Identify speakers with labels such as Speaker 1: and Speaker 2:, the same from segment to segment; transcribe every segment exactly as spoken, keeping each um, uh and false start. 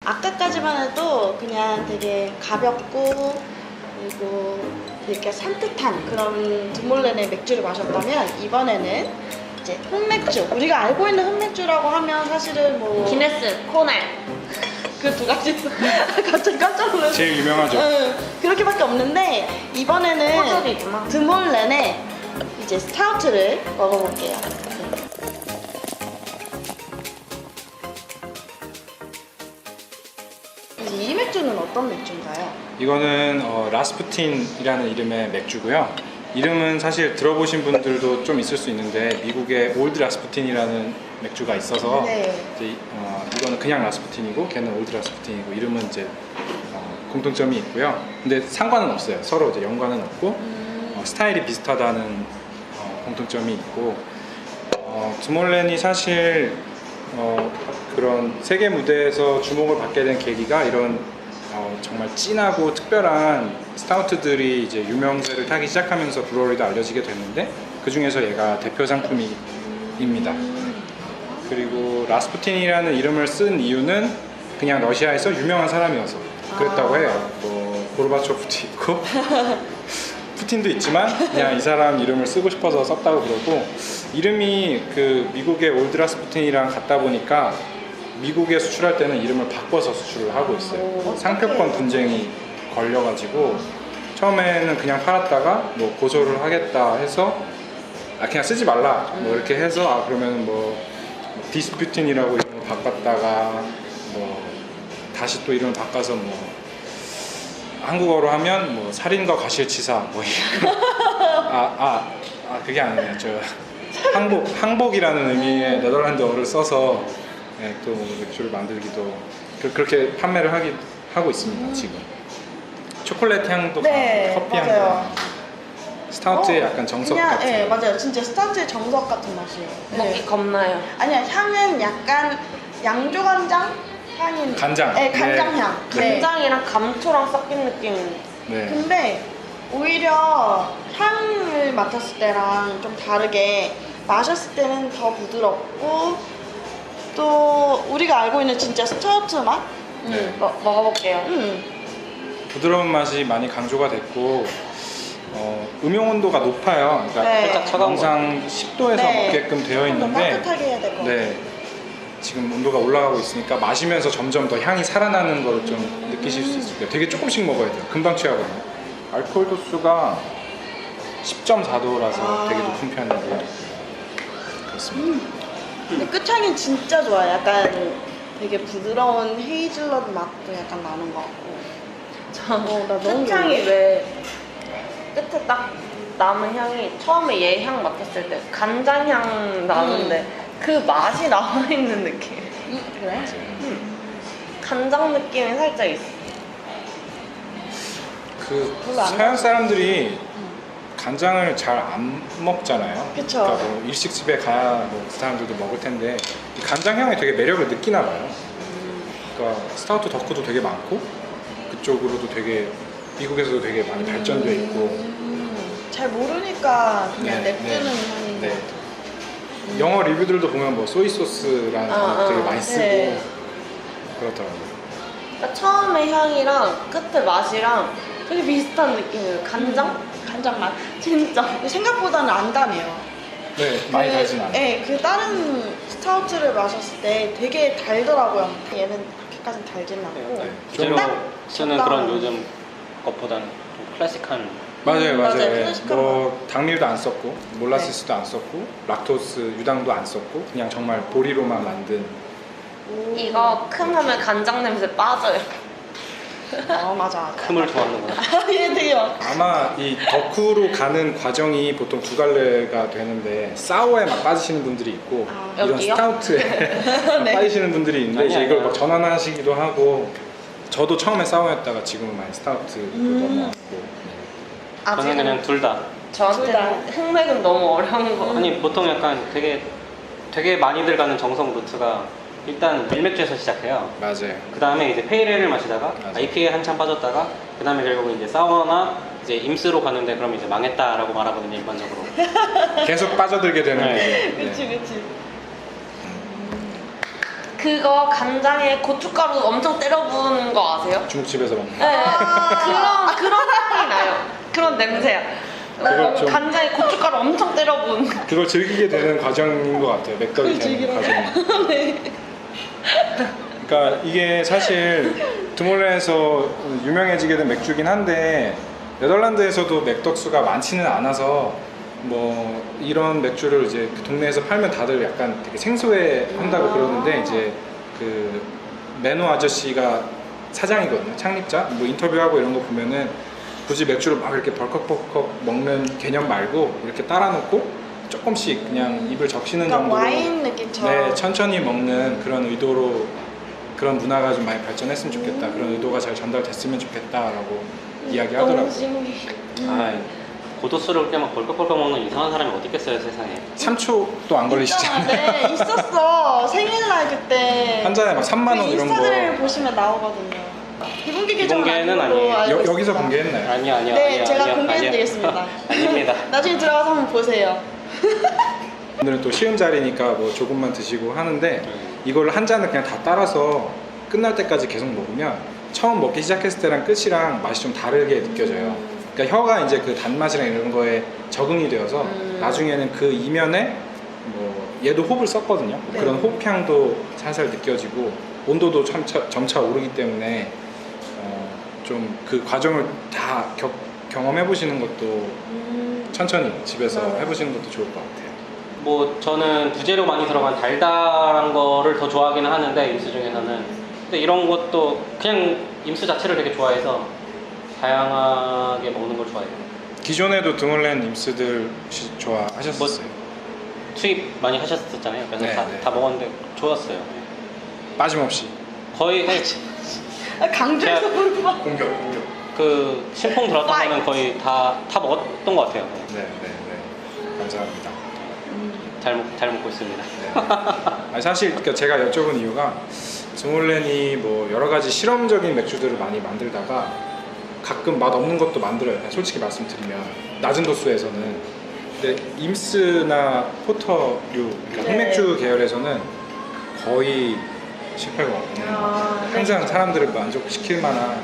Speaker 1: 아까까지만 해도 그냥 되게 가볍고 그리고 되게 산뜻한 그런 드몰렌의 맥주를 마셨다면 이번에는 이제 흑맥주, 우리가 알고 있는 흑맥주라고 하면 사실은 뭐
Speaker 2: 기네스, 코넬.
Speaker 1: 그 두 가지 갑자기 깜짝 놀랐어.
Speaker 3: 제일 유명하죠.
Speaker 1: 응, 그렇게밖에 없는데 이번에는
Speaker 2: 호주이구나.
Speaker 1: 드몰렌의 이제 스타우트를 먹어볼게요. 이 맥주는 어떤 맥주인가요?
Speaker 3: 이거는 어, 라스푸틴이라는 이름의 맥주고요. 이름은 사실 들어보신 분들도 좀 있을 수 있는데 미국에 올드 라스푸틴이라는 맥주가 있어서
Speaker 1: 네.
Speaker 3: 이제, 어, 이거는 그냥 라스푸틴이고 걔는 올드 라스푸틴이고 이름은 이제 어, 공통점이 있고요. 근데 상관은 없어요. 서로 이제 연관은 없고
Speaker 1: 음.
Speaker 3: 어, 스타일이 비슷하다는 어, 공통점이 있고 어, 드몰렌이 사실 어, 그런 세계 무대에서 주목을 받게 된 계기가 이런 어, 정말 진하고 특별한 스타우트들이 이제 유명세를 타기 시작하면서 브루어리도 알려지게 됐는데 그 중에서 얘가 대표 상품입니다. 그리고 라스푸틴이라는 이름을 쓴 이유는 그냥 러시아에서 유명한 사람이어서 그랬다고 해요. 뭐 고르바초프도 있고 푸틴도 있지만 그냥 이 사람 이름을 쓰고 싶어서 썼다고 그러고 이름이 그 미국의 올드 라스푸틴이랑 같다 보니까 미국에 수출할 때는 이름을 바꿔서 수출을 하고 있어요.
Speaker 1: 오,
Speaker 3: 상표권 분쟁이 걸려가지고 처음에는 그냥 팔았다가 뭐 고소를 하겠다 해서 아 그냥 쓰지 말라 뭐 이렇게 해서 아 그러면 뭐 디스퓨틴이라고 이름을 바꿨다가 뭐 다시 또 이름을 바꿔서 뭐 한국어로 하면 뭐 살인과 과실치사 뭐 아, 아, 아 그게 아니에요. 저 항복 항복이라는 의미의 네덜란드어를 써서 네, 또 맥주를 만들기도 그, 그렇게 판매를 하기 하고 있습니다.
Speaker 1: 음.
Speaker 3: 지금 초콜릿 향도
Speaker 1: 네,
Speaker 3: 강하고 커피 향도
Speaker 1: 맞아요.
Speaker 3: 강하고 스타우트의
Speaker 1: 어,
Speaker 3: 약간 정석
Speaker 1: 그냥,
Speaker 3: 같은
Speaker 1: 네, 맞아요. 진짜 스타우트의 정석 같은 맛이에요.
Speaker 2: 먹기 겁나요.
Speaker 1: 아니야, 향은 약간 양조간장 향인.
Speaker 3: 간장.
Speaker 1: 네, 간장
Speaker 3: 네.
Speaker 1: 향. 네.
Speaker 2: 간장이랑 감초랑 섞인 느낌.
Speaker 3: 네.
Speaker 1: 근데 오히려 향을 맡았을 때랑 좀 다르게 마셨을 때는 더 부드럽고 또 우리가 알고 있는 진짜 스타우트 맛?
Speaker 3: 네.
Speaker 2: 음, 먹- 먹어볼게요.
Speaker 1: 음.
Speaker 3: 부드러운 맛이 많이 강조가 됐고 어, 음용 온도가 높아요. 그러니까
Speaker 1: 네.
Speaker 3: 살짝 차가운 영상 십 도에서
Speaker 1: 네.
Speaker 3: 먹게끔 되어
Speaker 1: 좀 더
Speaker 3: 있는데
Speaker 1: 따뜻하게 해야 될 것 같아요.
Speaker 3: 네. 지금 온도가 올라가고 있으니까 마시면서 점점 더 향이 살아나는 걸 좀 느끼실 수 있을 거예요. 되게 조금씩 먹어야 돼요. 금방 취하거든요. 알코올 도수가 십 점 사 도라서
Speaker 1: 아.
Speaker 3: 되게 높은 편이고요. 그렇습니다.
Speaker 1: 근데 끝향이 진짜 좋아요. 약간 되게 부드러운 헤이즐넛 맛도 약간 나는 것 같고.
Speaker 2: 저
Speaker 1: 어, 나 너무
Speaker 2: 끝향이
Speaker 1: 좋은데?
Speaker 2: 왜 끝에 딱 남은 향이 처음에 얘 향 맡았을 때 간장 향 나는데 그 맛이 남아있는 느낌.
Speaker 1: 음, 그래?
Speaker 2: 간장 느낌이 살짝 있어.
Speaker 3: 그
Speaker 1: 별로 안
Speaker 3: 서양 사람들이 간장을 잘 안 먹잖아요.
Speaker 1: 그쵸.
Speaker 3: 그러니까 뭐 일식집에 가야 뭐그 사람들도 먹을 텐데 이 간장 향에 되게 매력을 느끼나 봐요. 그러니까 스타우트 덕후도 되게 많고 그쪽으로도 되게 미국에서도 되게 많이 발전돼 있고
Speaker 1: 음, 잘 모르니까 그냥
Speaker 3: 네,
Speaker 1: 냅두는
Speaker 3: 네.
Speaker 1: 향인
Speaker 3: 네.
Speaker 1: 것 같아요.
Speaker 3: 영어 리뷰들도 보면 뭐 소이 소스라는
Speaker 2: 아,
Speaker 3: 단어 되게
Speaker 2: 아,
Speaker 3: 많이 쓰고
Speaker 1: 네.
Speaker 3: 그렇더라고요.
Speaker 2: 그러니까 처음에 향이랑 끝에 맛이랑 되게 비슷한 느낌이에요. 간장?
Speaker 1: 간장 맛.
Speaker 2: 진짜.
Speaker 1: 근데 생각보다는 안 담해요.
Speaker 3: 네, 많이
Speaker 1: 그,
Speaker 3: 달진 않아요.
Speaker 1: 네, 그 다른 스타우트를 마셨을 때 되게 달더라고요. 얘는 그렇게까지는 달진 않고.
Speaker 3: 네.
Speaker 4: 실제로
Speaker 1: 딱
Speaker 4: 쓰는
Speaker 1: 적당한.
Speaker 4: 그런 요즘 것보다는 좀 클래식한
Speaker 3: 맞아요,
Speaker 1: 음,
Speaker 3: 맞아요.
Speaker 1: 맞아요.
Speaker 3: 예.
Speaker 1: 클래식한
Speaker 3: 뭐 당밀도 안 썼고 몰라시스도 안 썼고 락토스 유당도 안 썼고 그냥 정말 보리로만 만든
Speaker 1: 오.
Speaker 2: 이거 큼 하면 간장 냄새 빠져요.
Speaker 1: 어, 맞아.
Speaker 4: 큼을 좋아하는구나.
Speaker 1: 얘 되게 막.
Speaker 3: 아마 이 덕후로 가는 과정이 보통 두 갈래가 되는데 사워에 막 빠지시는 분들이 있고
Speaker 1: 아,
Speaker 3: 이런
Speaker 2: 여기요?
Speaker 3: 스타우트에 막
Speaker 1: 네.
Speaker 3: 빠지시는 분들이 있는데
Speaker 4: 아니야,
Speaker 3: 이제 이걸
Speaker 4: 아니야.
Speaker 3: 막 전환하시기도 하고 저도 처음에 사워였다가 지금은 많이 스타우트로
Speaker 1: 음.
Speaker 3: 넘어왔고
Speaker 4: 저는 그냥 둘 다.
Speaker 1: 둘 다.
Speaker 2: 저한테는 흑맥은 너무 어려운 거.
Speaker 4: 아니 보통 약간 되게 되게 많이들 가는 정성 루트가 일단 밀맥주에서 시작해요.
Speaker 3: 맞아요.
Speaker 4: 그 다음에 이제 페이레를 마시다가
Speaker 3: 맞아.
Speaker 4: 아이피에이 한참 빠졌다가 그 다음에 결국 이제 사워나 이제 임스로 가는데 그럼 이제 망했다라고 말하거든요 일반적으로.
Speaker 3: 계속 빠져들게 되는
Speaker 4: 네.
Speaker 3: 거죠. 네.
Speaker 1: 그치, 그치.
Speaker 2: 그거 간장에 고춧가루 엄청 때려 부은 거 아세요?
Speaker 3: 중국집에서 먹는.
Speaker 2: 네. 그런 그런 향이 나요. 그런 냄새야.
Speaker 3: 그걸
Speaker 2: 어,
Speaker 3: 좀-
Speaker 2: 간장에 고춧가루 엄청 때려 부은 거.
Speaker 3: 그걸 즐기게 되는 과정인 것 같아요. 맥덕이 되는
Speaker 1: 즐기라고?
Speaker 3: 과정이.
Speaker 1: 네.
Speaker 3: 그러니까 이게 사실 드몰렌에서 유명해지게 된 맥주긴 한데 네덜란드에서도 맥덕수가 많지는 않아서 뭐 이런 맥주를 이제 그 동네에서 팔면 다들 약간 되게 생소해 한다고
Speaker 1: 아.
Speaker 3: 그러는데 이제 그 매노 아저씨가 사장이거든요. 창립자. 뭐 인터뷰하고 이런 거 보면은 굳이 맥주를 막 이렇게 벌컥벌컥 먹는 개념 말고 이렇게 따라 놓고 조금씩 그냥 입을 적시는
Speaker 1: 그러니까
Speaker 3: 정도로
Speaker 1: 와인 느낌처럼.
Speaker 3: 네, 천천히 먹는 그런 의도로 그런 문화가 좀 많이 발전했으면 좋겠다.
Speaker 1: 음.
Speaker 3: 그런 의도가 잘 전달됐으면 좋겠다라고
Speaker 1: 너무
Speaker 3: 이야기하더라고요.
Speaker 1: 신기해.
Speaker 4: 아, 고도수를 그렇게 막 벌컥벌컥 먹는 이상한 사람이 어디 있겠어요 세상에.
Speaker 3: 삼 초도 안 걸리시잖아요.
Speaker 1: 있잖아, 네, 있었어. 생일날 그때.
Speaker 3: 한 잔에 막 삼만 원
Speaker 1: 그
Speaker 3: 이런 거.
Speaker 1: 인스타그램 보시면 나오거든요. 비공개 계정은
Speaker 4: 비공개는
Speaker 1: 아니고
Speaker 4: 아니에요.
Speaker 1: 알고
Speaker 3: 여, 여기서
Speaker 1: 있습니다.
Speaker 3: 공개했나요?
Speaker 4: 아니요 아니요.
Speaker 1: 네,
Speaker 4: 아니요,
Speaker 1: 제가
Speaker 4: 아니요,
Speaker 1: 공개해드리겠습니다.
Speaker 4: 아니요. 아닙니다.
Speaker 1: 나중에 들어가서 한번 보세요.
Speaker 3: 오늘은 또 쉬운 자리니까 뭐 조금만 드시고 하는데
Speaker 4: 음.
Speaker 3: 이걸 한 잔을 그냥 다 따라서 끝날 때까지 계속 먹으면 처음 먹기 시작했을 때랑 끝이랑 맛이 좀 다르게 느껴져요. 그러니까 혀가 이제 그 단맛이랑 이런 거에 적응이 되어서
Speaker 2: 음.
Speaker 3: 나중에는 그 이면에 뭐 얘도 홉을 썼거든요.
Speaker 1: 네.
Speaker 3: 그런 홉향도 살살 느껴지고 온도도 점차, 점차 오르기 때문에 어, 좀 그 과정을 다 겨, 경험해 보시는 것도
Speaker 1: 음.
Speaker 3: 천천히 집에서
Speaker 1: 맞아요.
Speaker 3: 해보시는 것도 좋을 것 같아요.
Speaker 4: 뭐 저는 부재료 많이 들어간 달달한 거를 더 좋아하기는 하는데 임수 중에서는 근데 이런 것도 그냥 임수 자체를 되게 좋아해서 다양하게 먹는 걸 좋아해요.
Speaker 3: 기존에도 드몰렌 임스들 혹시 좋아하셨었어요?
Speaker 4: 수입 많이 하셨었잖아요. 그래서
Speaker 3: 네,
Speaker 4: 다,
Speaker 3: 네.
Speaker 4: 다 먹었는데 좋았어요.
Speaker 3: 빠짐없이
Speaker 4: 거의
Speaker 1: 아, 강조해서
Speaker 4: 제가-
Speaker 1: 보는 거.
Speaker 3: 공격 공격.
Speaker 4: 그 신풍 들었던 거는 거의 다, 다 먹었던 것 같아요.
Speaker 3: 네, 네, 네. 감사합니다.
Speaker 4: 잘, 먹, 잘 먹고 있습니다.
Speaker 3: 네. 아니, 사실 그러니까 제가 여쭤본 이유가 드몰렌이 뭐 여러 가지 실험적인 맥주들을 많이 만들다가 가끔 맛 없는 것도 만들어요. 그냥 솔직히 말씀드리면 낮은 도수에서는. 근데 임스나 포터류, 그러니까
Speaker 1: 네.
Speaker 3: 흑맥주 계열에서는 거의 실패가 없는.
Speaker 1: 아, 네.
Speaker 3: 항상 사람들을 만족시킬 만한.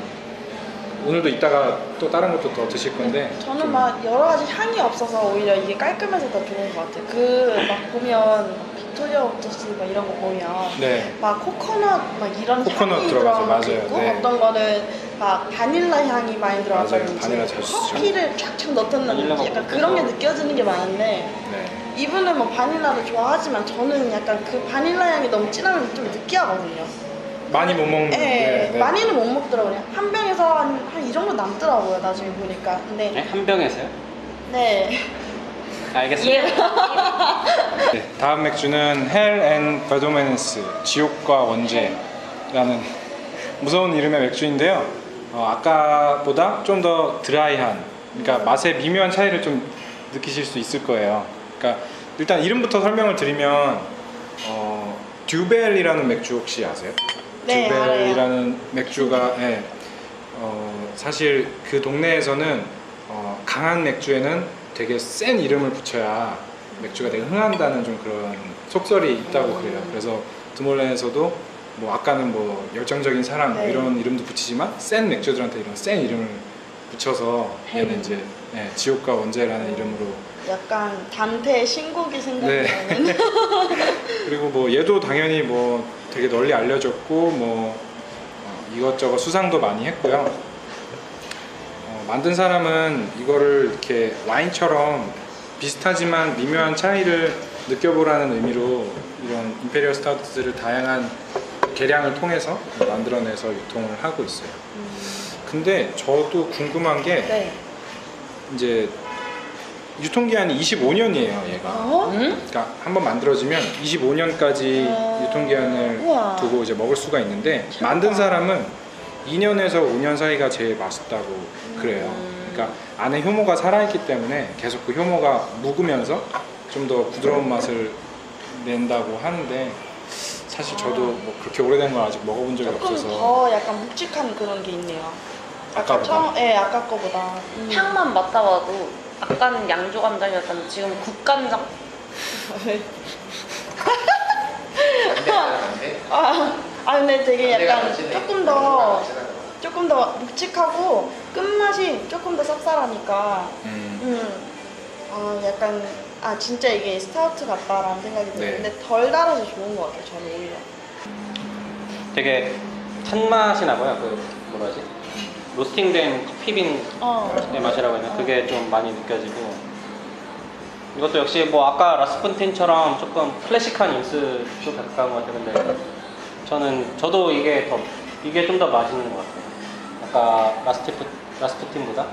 Speaker 3: 오늘도 이따가 또 다른 것도 더 드실 건데.
Speaker 1: 저는
Speaker 3: 좀
Speaker 1: 막 여러 가지 향이 없어서 오히려 이게 깔끔해서 더 좋은 것 같아요. 그 막 보면 빅토리아 오토스 막 이런 거 보면
Speaker 3: 네.
Speaker 1: 막 코코넛 막 이런
Speaker 3: 코코넛
Speaker 1: 향이
Speaker 3: 들어가죠.
Speaker 1: 들어간 것도
Speaker 3: 맞아요.
Speaker 1: 있고
Speaker 3: 네.
Speaker 1: 어떤 거는 막 바닐라 향이 많이 들어가서
Speaker 3: 맞아요. 바닐라 자주 쓰죠.
Speaker 1: 커피를 쫙쫙 넣던
Speaker 4: 바닐라가
Speaker 1: 약간
Speaker 4: 뭐
Speaker 1: 그런 게
Speaker 4: 그래서-
Speaker 1: 느껴지는 게 많은데
Speaker 3: 네.
Speaker 1: 이분은 뭐 바닐라를 좋아하지만 저는 약간 그 바닐라 향이 너무 진하면 좀 느끼하거든요.
Speaker 3: 많이 못 먹는.
Speaker 1: 네,
Speaker 3: 네, 네.
Speaker 1: 많이는 못 먹더라고요. 한 병에서 한 이 정도 남더라고요. 나중에 보니까. 근데
Speaker 4: 네? 한 병에서요?
Speaker 1: 네.
Speaker 4: 알겠습니다.
Speaker 2: 예.
Speaker 3: 네, 다음 맥주는 헬 앤 바도메네스 지옥과 원죄라는 무서운 이름의 맥주인데요. 어, 아까보다 좀 더 드라이한, 그러니까 맛의 미묘한 차이를 좀 느끼실 수 있을 거예요. 그러니까 일단 이름부터 설명을 드리면 어, 듀벨이라는 맥주 혹시 아세요?
Speaker 1: 네,
Speaker 3: 듀벨이라는 맥주가 예, 어, 사실 그 동네에서는 어, 강한 맥주에는 되게 센 이름을 붙여야 맥주가 되게 흥한다는 좀 그런 속설이 있다고 그래요. 그래서 드몰렌에서도 뭐 아까는 뭐 열정적인 사랑 뭐
Speaker 1: 네.
Speaker 3: 이런 이름도 붙이지만 센 맥주들한테 이런 센 이름을 붙여서 얘는
Speaker 1: 헬.
Speaker 3: 이제 예, 지옥과 원죄라는 이름으로
Speaker 1: 약간 단테의 신곡이 생각나는.
Speaker 3: 네. 그리고 뭐 얘도 당연히 뭐 되게 널리 알려졌고 뭐 어, 이것저것 수상도 많이 했고요. 어, 만든 사람은 이거를 이렇게 와인처럼 비슷하지만 미묘한 차이를 느껴보라는 의미로 이런 임페리얼 스타우트를 다양한 계량을 통해서 만들어내서 유통을 하고 있어요. 근데 저도 궁금한 게
Speaker 1: 네.
Speaker 3: 이제 유통기한이 이십오 년이에요, 얘가.
Speaker 1: 어?
Speaker 2: 음?
Speaker 3: 그러니까 한번 만들어지면 이십오 년까지
Speaker 1: 어.
Speaker 3: 유통기한을
Speaker 1: 우와.
Speaker 3: 두고 이제 먹을 수가 있는데
Speaker 1: 신기하다.
Speaker 3: 만든 사람은 이 년에서 오 년 사이가 제일 맛있다고 그래요.
Speaker 1: 음.
Speaker 3: 그러니까 안에 효모가 살아있기 때문에 계속 그 효모가 묵으면서 좀 더 부드러운 맛을 낸다고 하는데 사실 저도 뭐 그렇게 오래된 걸 아직 먹어본 적이
Speaker 1: 조금
Speaker 3: 없어서
Speaker 1: 더 약간 묵직한 그런 게 있네요.
Speaker 3: 아까보다.
Speaker 1: 처음, 네, 아까 거보다. 음.
Speaker 2: 향만 맡아봐도 아까는 양조 간장이었다면 지금 국간장.
Speaker 1: 아, 아 근데 되게 약간 조금 더 조금 더 묵직하고 끝맛이 조금 더 쌉쌀하니까
Speaker 3: 음.
Speaker 1: 음, 아 약간 아 진짜 이게 스타우트 같다라는 생각이
Speaker 3: 네.
Speaker 1: 드는데 덜 달아서 좋은 것 같아요. 저는 오히려.
Speaker 4: 되게 탄맛이 나고요. 그 뭐라 하지? 로스팅된 커피빈의
Speaker 1: 어.
Speaker 4: 맛이라고 해야 되나? 그게 좀 많이 느껴지고 이것도 역시 뭐 아까 라스푼틴처럼 조금 클래식한 인스 쪽 가까운 것 같아요. 근데 저는 저도 이게 더 이게 좀 더 맛있는 것 같아요. 아까 라스티프 라스푸틴보다.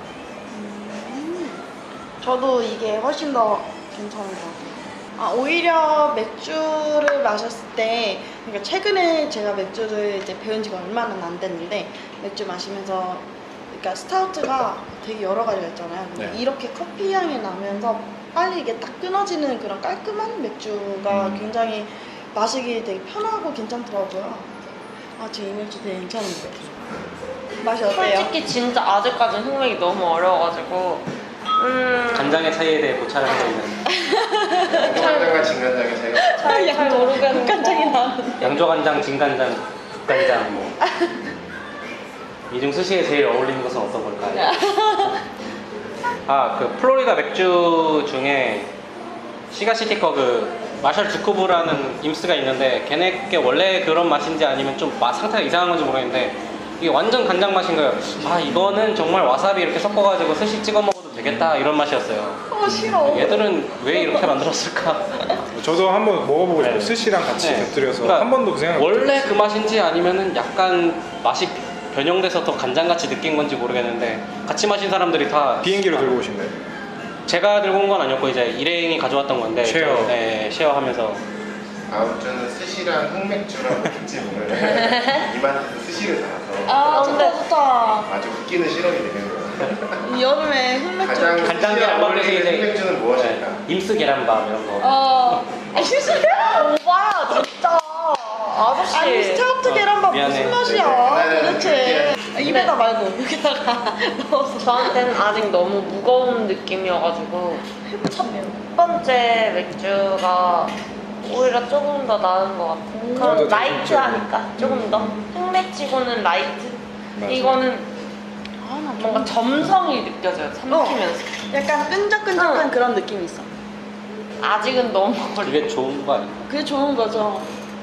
Speaker 1: 저도 이게 훨씬 더 괜찮은 것 같아요. 아, 오히려 맥주를 마셨을 때, 그러니까 최근에 제가 맥주를 이제 배운 지가 얼마는 안 됐는데, 맥주 마시면서, 그러니까 스타우트가 되게 여러 가지가 있잖아요. 근데
Speaker 3: 네.
Speaker 1: 이렇게 커피 향이 나면서 빨리 이게 딱 끊어지는 그런 깔끔한 맥주가
Speaker 3: 음.
Speaker 1: 굉장히 마시기 되게 편하고 괜찮더라고요. 아, 제 이 맥주 되게 괜찮은 것 같아요. 맛이 어때요?
Speaker 2: 솔직히 진짜 아직까지는 흑맥이 너무 어려워가지고 음...
Speaker 4: 간장의 차이에 대해 고찰을 하고 있는
Speaker 5: 간장과 진간장의 차이가
Speaker 2: 잘, 잘 모르겠는데
Speaker 1: 간장이 나왔는데.
Speaker 4: 양조간장, 진간장, 국간장 뭐. 이 중 스시에 제일 어울리는 것은 어떤 걸까요? 아, 그 플로리다 맥주 중에 시가시티커 그 마샬 주쿠브라는 임스가 있는데 걔네께 원래 그런 맛인지 아니면 좀 맛 상태가 이상한 건지 모르겠는데 이게 완전 간장 맛인 거예요. 아, 이거는 정말 와사비 이렇게 섞어가지고 스시 찍어 먹어도 되겠다 이런 맛이었어요.
Speaker 1: 어, 싫어.
Speaker 4: 얘들은 왜 이렇게 만들었을까?
Speaker 3: 저도 한번 먹어보고 싶어요.
Speaker 4: 네.
Speaker 3: 스시랑 같이
Speaker 4: 네.
Speaker 3: 곁들여서
Speaker 4: 그러니까
Speaker 3: 한 번도 그 생각 못
Speaker 4: 원래
Speaker 3: 해봤어요.
Speaker 4: 그 맛인지 아니면은 약간 맛이 변형돼서 더 간장같이 느낀 건지 모르겠는데 같이 마신 사람들이 다
Speaker 3: 비행기로 들고 오신 거예요?
Speaker 4: 제가 들고 온 건 아니었고 이제 일행이 가져왔던 건데
Speaker 3: 쉐어.
Speaker 4: 저, 네, 쉐어하면서
Speaker 5: 다음 주는 스시랑 흑맥주랑 특집을 이마트 스시를 사서
Speaker 1: 아,
Speaker 2: 근데-
Speaker 1: 좋다, 좋다.
Speaker 5: 아주 웃기는 실험이 되는 거예요.
Speaker 1: 이 여름에 흑맥주.
Speaker 5: 가장
Speaker 4: 간장게
Speaker 5: 스시랑
Speaker 4: 안
Speaker 5: 어울리는
Speaker 4: 이제
Speaker 5: 흑맥주는 무엇일까?
Speaker 4: 네, 임스 계란밥 이런 거.
Speaker 1: 어. 아니,
Speaker 2: 오바야 진짜 아저씨
Speaker 1: 아니, 스타우트 계란밥
Speaker 4: 미안해.
Speaker 1: 무슨 맛이야,
Speaker 5: 네,
Speaker 1: 도대체. 아, 입에다 말고, 여기다가 넣어서.
Speaker 2: 저한테는 아직 너무 무거운 느낌이어가지고 첫 번째 맥주가 오히려 조금 더 나은 것 같아요.
Speaker 1: 음.
Speaker 2: 그럼
Speaker 3: 저도
Speaker 2: 라이트하니까 조금 더 흑맥치고는 라이트.
Speaker 3: 맞아요.
Speaker 2: 이거는
Speaker 1: 아, 나
Speaker 2: 뭔가 점성이 느껴져요. 삼키면서.
Speaker 1: 약간 끈적끈적한
Speaker 2: 응.
Speaker 1: 그런 느낌이 있어.
Speaker 2: 아직은 너무
Speaker 4: 그게 좋은 거 아니에요?
Speaker 1: 그게 좋은 거죠.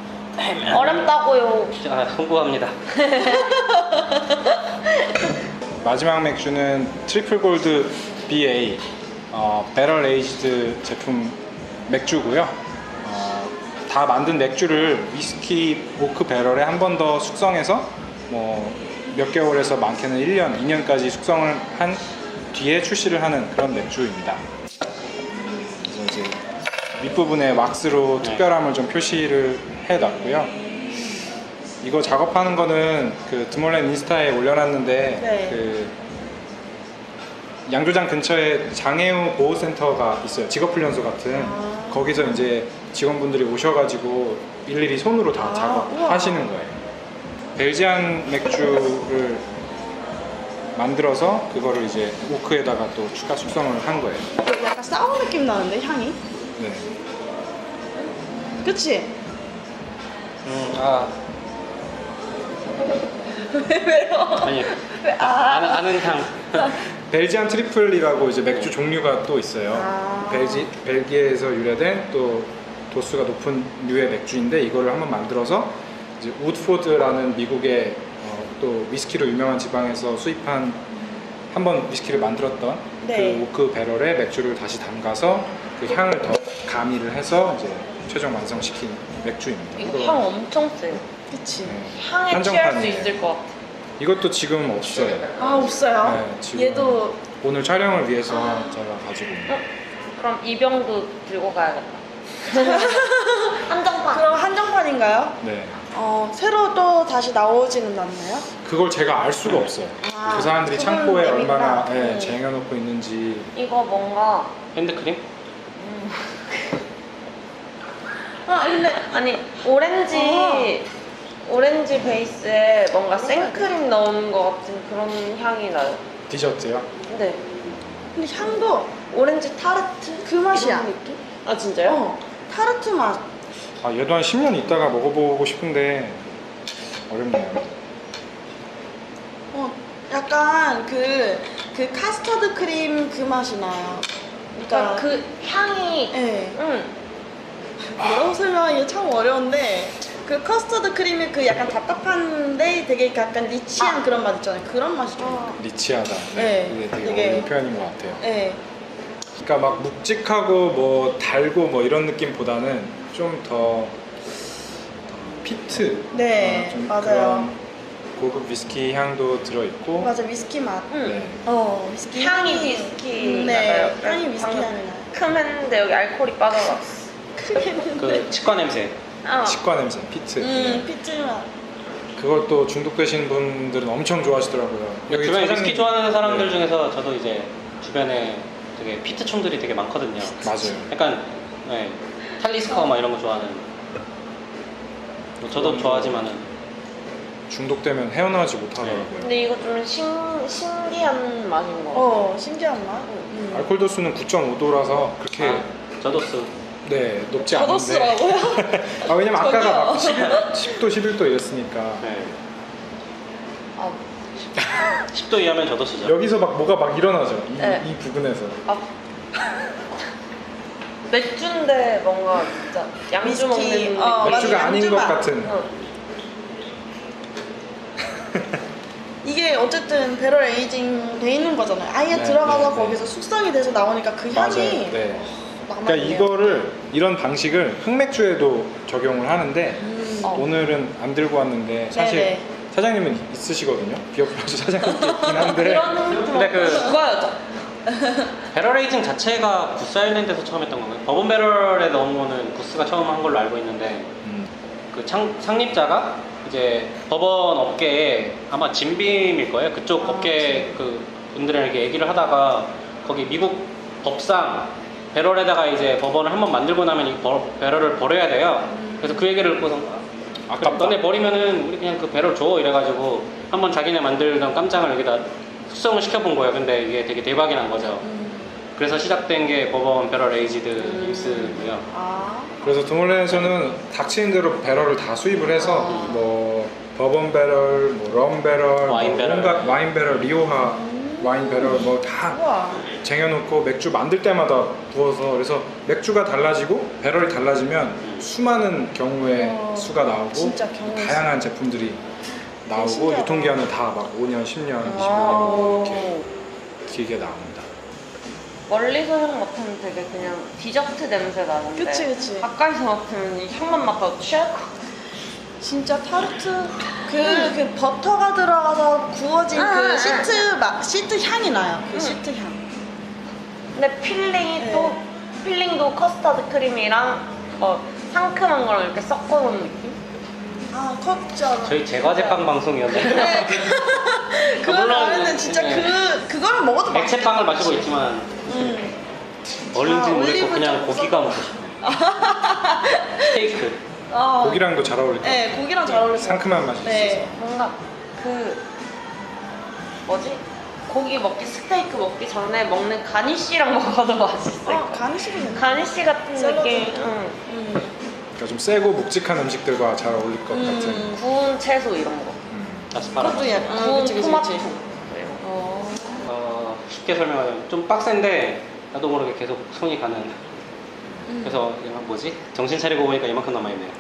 Speaker 2: 어렵다고요.
Speaker 4: 아, 송구합니다.
Speaker 3: 마지막 맥주는 트리플 골드 비에이 어, 배럴 에이지드 제품 맥주고요. 어, 다 만든 맥주를 위스키 오크 배럴에 한 번 더 숙성해서 뭐 몇 개월에서 많게는 일 년, 이 년까지 숙성을 한 뒤에 출시를 하는 그런 맥주입니다. 그래서 이제 윗부분에 왁스로
Speaker 4: 네.
Speaker 3: 특별함을 좀 표시를 해놨고요. 이거 작업하는 거는 그 드몰렌 인스타에 올려놨는데
Speaker 1: 네.
Speaker 3: 그 양조장 근처에 장애우 보호센터가 있어요. 직업훈련소 같은.
Speaker 1: 아.
Speaker 3: 거기서 이제 직원분들이 오셔가지고 일일이 손으로 다
Speaker 1: 아,
Speaker 3: 작업하시는 거예요. 벨지안 맥주를 만들어서 그거를 이제 오크에다가 또 추가 숙성을 한 거예요.
Speaker 1: 약간 사워 느낌 나는데, 향이?
Speaker 3: 네.
Speaker 1: 그치?
Speaker 4: 음, 아,
Speaker 1: 왜요?
Speaker 4: 아니,
Speaker 1: 아.
Speaker 4: 아는, 아는 향.
Speaker 3: 벨지안 트리플이라고 이제 맥주 종류가 또 있어요.
Speaker 1: 아.
Speaker 3: 벨지, 벨기에에서 유래된 또 도수가 높은 류의 맥주인데 이거를 한번 만들어서 이제 우드포드라는 미국의 어, 또 위스키로 유명한 지방에서 수입한 한번 위스키를 만들었던
Speaker 1: 네.
Speaker 3: 그 오크 배럴에 맥주를 다시 담가서 그 향을 더 가미를 해서 이제 최종 완성시킨 맥주입니다.
Speaker 2: 이거
Speaker 3: 이거-
Speaker 2: 향 엄청 세요.
Speaker 1: 그치.
Speaker 3: 네.
Speaker 2: 향에 취할 수
Speaker 3: 한정판이에요.
Speaker 2: 있을 것 같아.
Speaker 3: 이것도 지금 없어요.
Speaker 1: 아, 없어요?
Speaker 3: 네, 지금
Speaker 1: 얘도.
Speaker 3: 오늘 촬영을 위해서 제가 가지고 있는.
Speaker 2: 어? 그럼 이 병도 들고 가야겠다. 한정판.
Speaker 1: 그럼 한정판인가요?
Speaker 3: 네.
Speaker 1: 어, 새로 또 다시 나오지는 않나요?
Speaker 3: 그걸 제가 알 수가 없어요.
Speaker 1: 아,
Speaker 3: 그 사람들이
Speaker 1: 그건
Speaker 3: 창고에
Speaker 1: 재밌다.
Speaker 3: 얼마나 예,
Speaker 1: 음.
Speaker 3: 쟁여놓고 있는지.
Speaker 2: 이거 뭔가
Speaker 4: 핸드크림?
Speaker 1: 아, 근데.
Speaker 2: 아니 오렌지
Speaker 1: 어.
Speaker 2: 오렌지 베이스에 뭔가 생크림 넣은 것 같은 그런 향이 나요.
Speaker 3: 디저트요?
Speaker 2: 네.
Speaker 1: 근데 향도
Speaker 2: 오렌지 타르트
Speaker 1: 그 맛이야.
Speaker 2: 이런 느낌? 아 진짜요?
Speaker 1: 어, 타르트 맛.
Speaker 3: 아, 얘도 한 십 년 있다가 먹어보고 싶은데 어렵네요.
Speaker 1: 어, 약간 그, 그 카스터드 크림 그 맛이 나요.
Speaker 2: 그러니까
Speaker 1: 그러니까
Speaker 2: 그 향이
Speaker 1: 예.
Speaker 2: 응.
Speaker 1: 뭐라고 설명하기가 참 어려운데 그 커스터드 크림이 그 약간 답답한데 되게 약간 리치한
Speaker 2: 아.
Speaker 1: 그런 맛 있잖아요. 그런 맛이 좀 나요.
Speaker 3: 리치하다.
Speaker 1: 네.
Speaker 3: 이게 되게,
Speaker 1: 되게-
Speaker 3: 어려운 표현인 것 같아요.
Speaker 1: 네.
Speaker 3: 그러니까 막 묵직하고 뭐 달고 뭐 이런 느낌보다는 좀 더 피트.
Speaker 1: 네,
Speaker 3: 어, 좀
Speaker 1: 맞아요.
Speaker 3: 그런 고급 위스키 향도 들어있고.
Speaker 1: 맞아, 위스키 맛.
Speaker 2: 응.
Speaker 3: 네.
Speaker 1: 어, 위스키
Speaker 2: 향이 위스키
Speaker 1: 음, 네,
Speaker 2: 나요.
Speaker 1: 향이 위스키
Speaker 2: 방금
Speaker 1: 향이 나요.
Speaker 2: 큼 했는데 여기 알코올이 빠져나왔어.
Speaker 4: 그 치과 냄새.
Speaker 2: 어.
Speaker 3: 치과 냄새, 피트.
Speaker 1: 음, 피트 맛.
Speaker 3: 그걸 또 중독되신 분들은 엄청 좋아하시더라고요. 여기
Speaker 4: 주변에
Speaker 3: 사장님-
Speaker 4: 위스키 좋아하는 사람들
Speaker 3: 네,
Speaker 4: 중에서 저도 이제 주변에 되게 피트충들이 되게 많거든요.
Speaker 3: 맞아요.
Speaker 4: 약간 네, 탈리스커 막 이런 거 좋아하는. 뭐 저도
Speaker 3: 그런
Speaker 4: 좋아하지만은
Speaker 3: 중독되면 헤어나오지 못하더라고요.
Speaker 2: 근데 이거 좀 신, 신기한 맛인 거.
Speaker 1: 어, 신기한 맛. 음.
Speaker 3: 알코올 도수는 구 점 오 도라서 그렇게
Speaker 4: 아, 저도스.
Speaker 3: 네 높지 않은데.
Speaker 1: 저도스라고요?
Speaker 3: 아 왜냐면 아까가
Speaker 1: 저기요.
Speaker 3: 막 십 도, 십일 도 이랬으니까
Speaker 4: 네.
Speaker 2: 아,
Speaker 4: 십 도 이하면 저도스죠.
Speaker 3: 여기서 막 뭐가 막 일어나죠. 이,
Speaker 2: 네.
Speaker 3: 이 부분에서.
Speaker 2: 아. 맥주인데 뭔가 진짜 양주
Speaker 1: 위스키,
Speaker 2: 먹는
Speaker 1: 어,
Speaker 2: 느낌.
Speaker 1: 맞아,
Speaker 3: 맥주가 아닌
Speaker 1: 양주
Speaker 3: 것
Speaker 1: 맛.
Speaker 3: 같은.
Speaker 2: 응.
Speaker 1: 이게 어쨌든 배럴 에이징 돼 있는 거잖아요. 아예
Speaker 3: 네,
Speaker 1: 들어가서
Speaker 3: 네, 네.
Speaker 1: 거기서 숙성이 돼서 나오니까 그
Speaker 3: 맞아요.
Speaker 1: 향이
Speaker 3: 네.
Speaker 1: 남아있네요.
Speaker 3: 그러니까 이거를 이런 방식을 흑맥주에도 적용을 하는데
Speaker 1: 음.
Speaker 2: 어.
Speaker 3: 오늘은 안 들고 왔는데 사실
Speaker 1: 네네.
Speaker 3: 사장님은 있으시거든요. 비어프라주 사장님도 있긴 한데
Speaker 2: 그런
Speaker 4: 근데 그-
Speaker 2: 그거였죠.
Speaker 4: 배럴 에이징 자체가 구스 아일랜드에서 처음 했던 건가요? 버번 배럴에 넣은 거는 구스가 처음 한 걸로 알고 있는데
Speaker 3: 음,
Speaker 4: 그 창, 창립자가 이제 법원 업계에 아마 진빔일 거예요. 그쪽
Speaker 1: 아,
Speaker 4: 업계 그 분들에게 얘기를 하다가 거기 미국 법상 배럴에다가 이제 법원을 한번 만들고 나면 이 버, 배럴을 버려야 돼요. 그래서 그 얘기를 듣고서 아, 그럼
Speaker 3: 아깝다.
Speaker 4: 너네 버리면은 우리 그냥 그 배럴 줘 이래가지고 한번 자기네 만들던 깜장을 여기다 숙성을 시켜본 거예요. 근데 이게 되게 대박이 난 거죠.
Speaker 1: 음.
Speaker 4: 그래서 시작된 게 버번 배럴 에이지드 임스고요.
Speaker 1: 아.
Speaker 3: 그래서 드몰렌에서는 닥치는 대로 배럴을 다 수입을 해서 뭐 버번 배럴, 뭐럼 배럴,
Speaker 4: 와인
Speaker 3: 뭐
Speaker 4: 배럴.
Speaker 3: 온갖 와인 배럴, 리오하 와인 배럴 뭐 다
Speaker 1: 우와.
Speaker 3: 쟁여놓고 맥주 만들 때마다 부어서 그래서 맥주가 달라지고 배럴이 달라지면 수많은 경우의
Speaker 1: 어,
Speaker 3: 수가 나오고
Speaker 1: 진짜 경우의
Speaker 3: 다양한 제품들이 나오고
Speaker 1: 신기하다.
Speaker 3: 유통기한은 다 막 오 년, 십 년, 이십오
Speaker 1: 아.
Speaker 3: 년 이렇게 길게 나옵니다.
Speaker 2: 멀리서 향 맡으면 되게 그냥 디저트 냄새 나는데
Speaker 1: 그치, 그치.
Speaker 2: 가까이서 맡으면 이 향만 맡아도 취할 것 같아.
Speaker 1: 진짜 타르트 그, 그 버터가 들어가서 구워진
Speaker 2: 아,
Speaker 1: 그
Speaker 2: 아,
Speaker 1: 시트 막 시트 향이 나요. 그
Speaker 2: 응.
Speaker 1: 시트 향.
Speaker 2: 근데 필링이
Speaker 1: 네.
Speaker 2: 또 필링도 커스터드 크림이랑 뭐 상큼한 거랑 이렇게 섞어놓은 느낌?
Speaker 1: 아 컵잖아.
Speaker 4: 저희 제과제빵 방송이었는데
Speaker 1: 네. 그거
Speaker 4: 물론,
Speaker 1: 나오는데 진짜
Speaker 4: 네.
Speaker 1: 그 그거를 먹어도 맛있겠다.
Speaker 4: 액체빵을 마시고 있지만
Speaker 1: 음.
Speaker 4: 얼린지
Speaker 1: 아,
Speaker 4: 모르겠고
Speaker 1: 올리브
Speaker 4: 그냥
Speaker 1: 좀
Speaker 4: 고기가 먹고 싶어요. 스테이크.
Speaker 1: 어.
Speaker 3: 고기랑도 잘 어울릴 것 같아요.
Speaker 1: 네, 고기랑 잘 어울릴 것 같아요.
Speaker 3: 상큼한 맛이
Speaker 1: 네.
Speaker 3: 있어서.
Speaker 2: 뭔가 그 뭐지? 고기 먹기 스테이크 먹기 전에 먹는 가니쉬랑 먹어도 맛있어요.
Speaker 1: 어, 간식이네.
Speaker 2: 가니쉬 같은
Speaker 1: 샐러드.
Speaker 2: 느낌. 응.
Speaker 1: 음.
Speaker 3: 그러니까 좀 세고 묵직한 음식들과 잘 어울릴 것
Speaker 1: 음.
Speaker 3: 같은.
Speaker 2: 구운 채소 이런 거.
Speaker 3: 음.
Speaker 4: 아스파라거스.
Speaker 1: 그것도 약간 어,
Speaker 2: 구운
Speaker 1: 그치, 그치,
Speaker 2: 토마토.
Speaker 1: 그치.
Speaker 2: 이런 거.
Speaker 1: 어.
Speaker 4: 어, 쉽게 설명하자면 좀 빡센데 나도 모르게 계속 손이 가는.
Speaker 1: 음.
Speaker 4: 그래서 이거 뭐지? 정신 차리고 보니까 이만큼 남아있네요.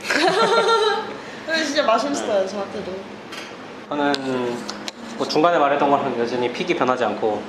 Speaker 1: 근데 진짜 맛있어요, 저한테도.
Speaker 4: 저는 뭐 중간에 말했던 거랑 여전히 픽이 변하지 않고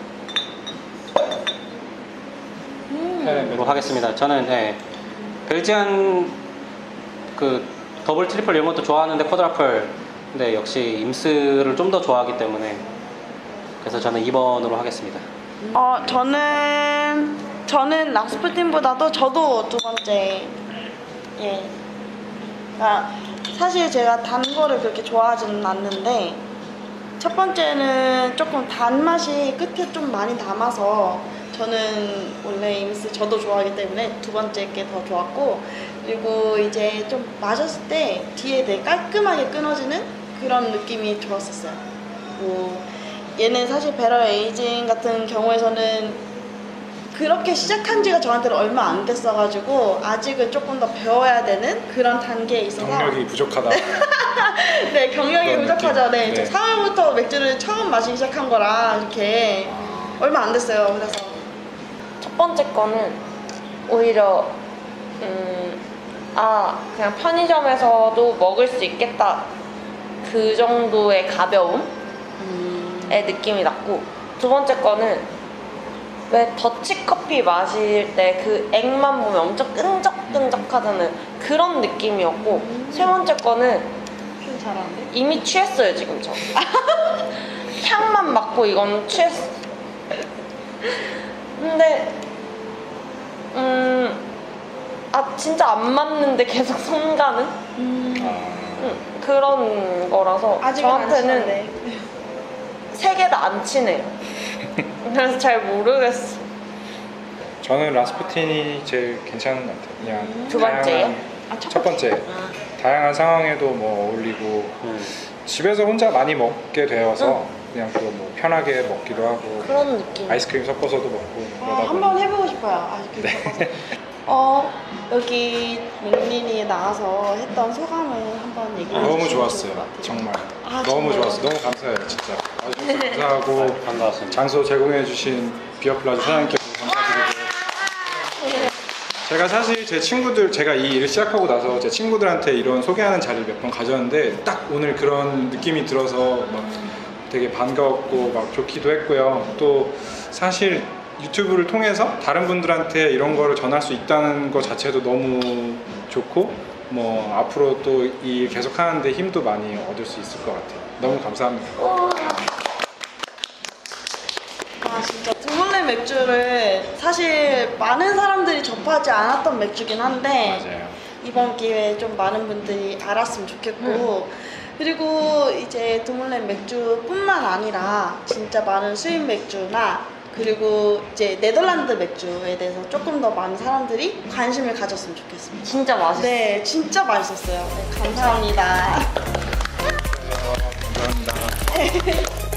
Speaker 1: 음.
Speaker 3: 네,
Speaker 4: 로 하겠습니다. 저는 네, 벨지안 그 더블 트리플 이런 것도 좋아하는데 쿼드라플 근데 역시 임스를 좀 더 좋아하기 때문에 그래서 저는 이 번으로 하겠습니다.
Speaker 1: 어, 저는 저는 락스푸틴보다도 저도 두 번째. 예. 아, 사실 제가 단 거를 그렇게 좋아하지는 않는데 첫 번째는 조금 단맛이 끝에 좀 많이 남아서 저는 원래 임스 저도 좋아하기 때문에 두 번째 게 더 좋았고 그리고 이제 좀 마셨을 때 뒤에 되게 깔끔하게 끊어지는 그런 느낌이 좋았었어요. 뭐 얘는 사실 배럴 에이징 같은 경우에서는 그 그렇게 시작한 지가 저한테는 얼마 안 됐어가지고 아직은 조금 더 배워야 되는 그런 단계에 있어서
Speaker 3: 경력이 부족하다.
Speaker 1: 네, 경력이
Speaker 3: 그런
Speaker 1: 부족하죠.
Speaker 3: 느낌.
Speaker 1: 네,
Speaker 3: 네.
Speaker 1: 저 사 월부터 맥주를 처음 마시기 시작한 거라 이렇게 얼마 안 됐어요. 그래서
Speaker 2: 첫 번째 거는 오히려 음, 아 그냥 편의점에서도 먹을 수 있겠다 그 정도의 가벼움의 느낌이 났고, 두 번째 거는 왜 더치커피 마실 때 그 액만 보면 엄청 끈적끈적하잖아요. 그런 느낌이었고, 세 번째 거는
Speaker 1: 좀 잘하는데?
Speaker 2: 이미 취했어요 지금 저. 향만 맡고 이건 취했어. 근데 음, 아 진짜 안 맞는데 계속 손 가는
Speaker 1: 음,
Speaker 3: 아,
Speaker 2: 음, 그런 거라서
Speaker 1: 아직은 안
Speaker 2: 저한테는
Speaker 1: 친한데.
Speaker 2: 세 개 다 안 치네요. 그래서 잘 모르겠어.
Speaker 3: 저는 라스푸틴이 제일 괜찮은 것 같아요. 그냥
Speaker 2: 두 번째요?
Speaker 3: 다양한-
Speaker 1: 아, 첫
Speaker 3: 첫 번째.
Speaker 2: 아,
Speaker 3: 다양한 상황에도 뭐 어울리고
Speaker 4: 음.
Speaker 3: 집에서 혼자 많이 먹게 되어서 그냥 또 뭐 편하게 먹기도 하고
Speaker 2: 그런 느낌.
Speaker 3: 아이스크림 섞어서도 먹고
Speaker 1: 아,
Speaker 3: 그러다
Speaker 1: 한번
Speaker 3: 보니
Speaker 1: 해보고 싶어요. 아쉽게 섞어서. 어, 여기 맥린이 나와서 했던 소감을 한번 얘기해 주시면
Speaker 3: 너무
Speaker 1: 좋을
Speaker 3: 좋았어요.
Speaker 1: 것 같아요.
Speaker 3: 정말
Speaker 1: 아,
Speaker 3: 너무
Speaker 1: 정말요?
Speaker 3: 좋았어요. 너무 감사해요. 진짜 와주셔서 감사하고
Speaker 4: 반가웠습니다.
Speaker 3: 장소 제공해주신 비어플라자 사장님께도 감사드리고 제가 사실 제 친구들 제가 이 일을 시작하고 나서 제 친구들한테 이런 소개하는 자리를 몇 번 가졌는데 딱 오늘 그런 느낌이 들어서 막 되게 반가웠고 막 좋기도 했고요. 또 사실 유튜브를 통해서 다른 분들한테 이런 거를 전할 수 있다는 것 자체도 너무 좋고 뭐 앞으로 또 이 일 계속 하는데 힘도 많이 얻을 수 있을 것 같아요. 너무 감사합니다.
Speaker 1: 아, 진짜 드몰레 맥주를 사실 많은 사람들이 접하지 않았던 맥주긴 한데
Speaker 3: 맞아요.
Speaker 1: 이번 기회에 좀 많은 분들이 알았으면 좋겠고 그리고 이제 드몰렌 맥주뿐만 아니라 진짜 많은 수입 맥주나 그리고 이제 네덜란드 맥주에 대해서 조금 더 많은 사람들이 관심을 가졌으면 좋겠습니다.
Speaker 2: 진짜 맛있어.
Speaker 1: 네, 진짜 맛있었어요. 네, 감사합니다.
Speaker 3: 감사합니다.